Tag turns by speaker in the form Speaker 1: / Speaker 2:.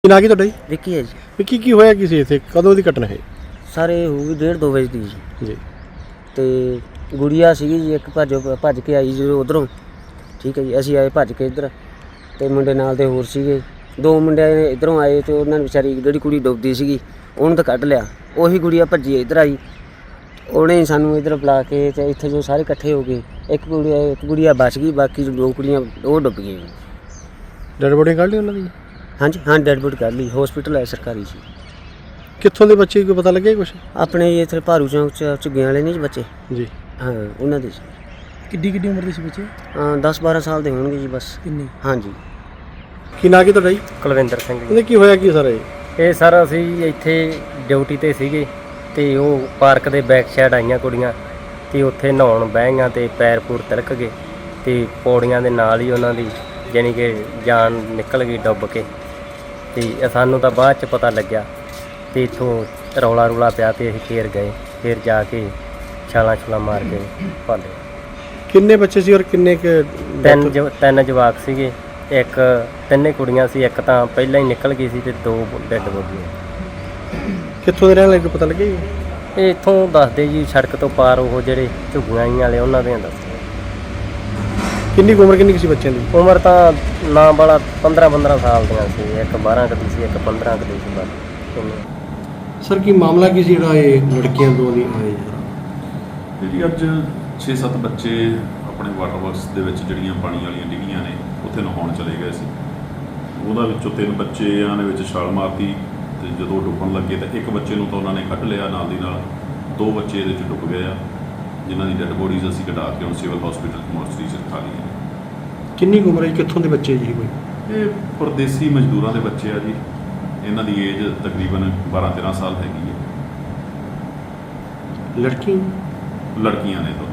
Speaker 1: ਕੀ ਨਾਂ ਕੀ ਤੁਹਾਡਾ ਜੀ?
Speaker 2: ਵਿੱਕੀ ਹੈ ਜੀ।
Speaker 1: ਵਿੱਕੀ ਕੀ ਹੋਇਆ ਕੀ ਸੀ ਇੱਥੇ? ਕਦੋਂ ਦੀ ਘਟਨਾ ਹੈ
Speaker 2: ਸਾਰੇ ਹੋ ਗਈ 1:30-2 ਵਜੇ ਦੀ ਜੀ।
Speaker 1: ਜੀ?
Speaker 2: ਤੇ ਗੁੜੀਆ ਸੀਗੀ ਜੀ, ਇੱਕ ਭੱਜ ਕੇ ਆਈ ਜੀ ਉਧਰੋਂ। ਠੀਕ ਹੈ ਜੀ, ਅਸੀਂ ਆਏ ਭੱਜ ਕੇ ਇੱਧਰ, ਤੇ ਮੁੰਡੇ ਨਾਲ ਦੇ ਹੋਰ ਸੀਗੇ। 2 ਮੁੰਡੇ ਇੱਧਰੋਂ ਆਏ ਤੇ ਉਹਨਾਂ ਨੇ ਵਿਚਾਰੀ ਜਿਹੜੀ ਕੁੜੀ ਡੁੱਬਦੀ ਸੀਗੀ ਉਹਨੂੰ ਤਾਂ ਕੱਢ ਲਿਆ। ਉਹੀ ਗੁੜੀਆ ਭੱਜੀ ਇੱਧਰ ਆਈ, ਉਹਨੇ ਸਾਨੂੰ ਇੱਧਰ ਬੁਲਾ ਕੇ ਤੇ ਇੱਥੇ ਜੋ ਸਾਰੇ ਇਕੱਠੇ ਹੋ ਗਏ। ਇੱਕ ਗੁੜੀਆ ਬਚ ਗਈ, ਬਾਕੀ 2 ਕੁੜੀਆਂ ਉਹ ਡੁੱਬ ਗਈਆਂ ਜੀ।
Speaker 1: ਡੈਡ ਬੋਡੀ ਕੱਢ ਲਈ ਉਹਨਾਂ ਦੀ?
Speaker 2: ਹਾਂਜੀ ਹਾਂ, ਡੈਡ ਬੋਡੀ ਕੱਢ ਲਈ, ਹੌਸਪੀਟਲ ਹੈ ਸਰਕਾਰੀ ਜੀ।
Speaker 1: ਕਿੱਥੋਂ ਦੇ ਬੱਚੇ ਕੋਈ ਪਤਾ ਲੱਗਿਆ ਕੁਛ?
Speaker 2: ਆਪਣੇ ਇੱਥੇ ਭਾਰੂ ਚੌਂਕ ਚ ਝੁੱਗੀਆਂ ਵਾਲੇ ਨੇ ਜੀ ਬੱਚੇ।
Speaker 1: ਜੀ।
Speaker 2: ਹਾਂ, ਉਹਨਾਂ ਦੇ
Speaker 3: ਕਿੱਡੀ ਉਮਰ ਦੇ ਸੀ ਬੱਚੇ?
Speaker 2: 10-12 ਸਾਲ ਦੇ ਹੋਣਗੇ ਜੀ ਬਸ।
Speaker 3: ਕਿੰਨੇ?
Speaker 2: ਹਾਂਜੀ।
Speaker 1: ਕੀ ਨਾਂ ਕੀ ਤੁਹਾਡਾ ਜੀ?
Speaker 4: ਕੁਲਵਿੰਦਰ ਸਿੰਘ ਜੀ।
Speaker 1: ਇਹਦੇ ਕੀ ਹੋਇਆ ਕੀ ਸਾਰਾ
Speaker 4: ਇਹ ਸਰ ਅਸੀਂ ਇੱਥੇ ਡਿਊਟੀ ਤੇ ਸੀਗੇ ਤੇ ਉਹ ਪਾਰਕ ਦੇ ਬੈਕ ਸਾਈਡ ਆਈਆਂ ਕੁੜੀਆਂ ਤੇ ਉੱਥੇ ਨਹਾਉਣ ਬਹਿ ਗਈਆਂ ਤੇ ਪੈਰ ਪੂਰ ਤਿਲਕ ਗਏ ਤੇ ਪੌੜੀਆਂ ਦੇ ਨਾਲ ਹੀ ਉਹਨਾਂ ਦੀ ਜਾਣੀ ਕਿ ਜਾਨ ਨਿਕਲ ਗਈ ਡੁੱਬ ਕੇ। ਤੇ ਸਾਨੂੰ ਤਾਂ ਬਾਅਦ 'ਚ ਪਤਾ ਲੱਗਿਆ ਤੇ ਇੱਥੋਂ ਰੌਲਾ ਪਿਆ ਤੇ ਅਸੀਂ ਫੇਰ ਗਏ, ਫੇਰ ਜਾ ਕੇ ਛਾਲਾਂ ਮਾਰ ਕੇ ਭਾਲੇ।
Speaker 1: ਕਿੰਨੇ ਬੱਚੇ ਸੀ ਔਰ ਕਿੰਨੇ
Speaker 4: ਤਿੰਨ ਜਵਾਕ ਸੀਗੇ, ਇੱਕ 3 ਕੁੜੀਆਂ ਸੀ, ਇੱਕ ਤਾਂ ਪਹਿਲਾਂ ਹੀ ਨਿਕਲ ਗਈ ਸੀ ਤੇ 2 ਡੈੱਡ ਬੋਡੀਆਂ।
Speaker 1: ਕਿੱਥੋਂ ਦੇ ਰਹਿਣ ਵਾਲੇ ਕੋਈ ਪਤਾ ਲੱਗਿਆ ਜੀ?
Speaker 4: ਇਹ ਇੱਥੋਂ ਦੱਸਦੇ ਜੀ, ਸੜਕ ਤੋਂ ਪਾਰ ਉਹ ਜਿਹੜੇ ਝੁੱਗੀਆਂ ਵਾਲੇ ਉਹਨਾਂ ਦੇ ਦੱਸਦੇ।
Speaker 1: ਕਿੰਨੀ ਕੁ ਉਮਰ ਕਿੰਨੀ ਕੁ ਸੀ ਬੱਚਿਆਂ ਦੀ?
Speaker 4: ਉਮਰ ਤਾਂ ਨਾ ਵਾਲਾ 15 ਸਾਲ ਦੀਆਂ ਸੀ, ਇੱਕ 12 ਕੁ ਦੀ ਸੀ, ਇੱਕ 15 ਕੁ ਦੀ ਸੀ ਬਸ।
Speaker 1: ਸਰ ਕੀ ਮਾਮਲਾ ਕੀ ਸੀ ਜਿਹੜਾ ਇਹ ਲੜਕੀਆਂ ਦੋ ਦੀ ਆਏ
Speaker 5: ਜੀ? ਅੱਜ 6-7 ਬੱਚੇ ਆਪਣੇ ਵਾਟਰ ਵਰਕਸ ਦੇ ਵਿੱਚ ਜਿਹੜੀਆਂ ਪਾਣੀ ਵਾਲੀਆਂ ਡਿੱਗੀਆਂ ਨੇ ਉੱਥੇ ਨਹਾਉਣ ਚਲੇ ਗਏ ਸੀ। ਉਹਦਾ ਵਿੱਚੋਂ 3 ਬੱਚਿਆਂ ਦੇ ਵਿੱਚ ਛਾਲ ਮਾਰਤੀ ਤੇ ਜਦੋਂ ਡੁੱਬਣ ਲੱਗੇ ਤਾਂ ਇੱਕ ਬੱਚੇ ਨੂੰ ਤਾਂ ਉਹਨਾਂ ਨੇ ਕੱਢ ਲਿਆ, ਨਾਲ ਦੀ ਨਾਲ 2 ਬੱਚੇ ਇਹਦੇ 'ਚ ਡੁੱਬ ਗਏ ਆ, ਜਿਨ੍ਹਾਂ ਦੀ ਡੈੱਡ ਬੋਡੀਜ਼ ਅਸੀਂ ਕਢਾ ਕੇ ਹੁਣ ਸਿਵਲ ਹਸਪੀਟਲ ਮੋਰਚਰੀ 'ਚ ਰਖਾ ਲਈਆਂ।
Speaker 1: ਕਿੰਨੀ ਕੁ ਉਮਰ ਹੈ? ਕਿੱਥੋਂ ਦੇ ਬੱਚੇ ਜੀ ਕੋਈ?
Speaker 5: ਇਹ ਪਰਦੇਸੀ ਮਜ਼ਦੂਰਾਂ ਦੇ ਬੱਚੇ ਆ ਜੀ, ਇਹਨਾਂ ਦੀ ਏਜ ਤਕਰੀਬਨ 12-13 ਸਾਲ ਹੈਗੀ ਹੈ।
Speaker 1: ਲੜਕੀ?
Speaker 5: ਲੜਕੀਆਂ ਨੇ ਤਾਂ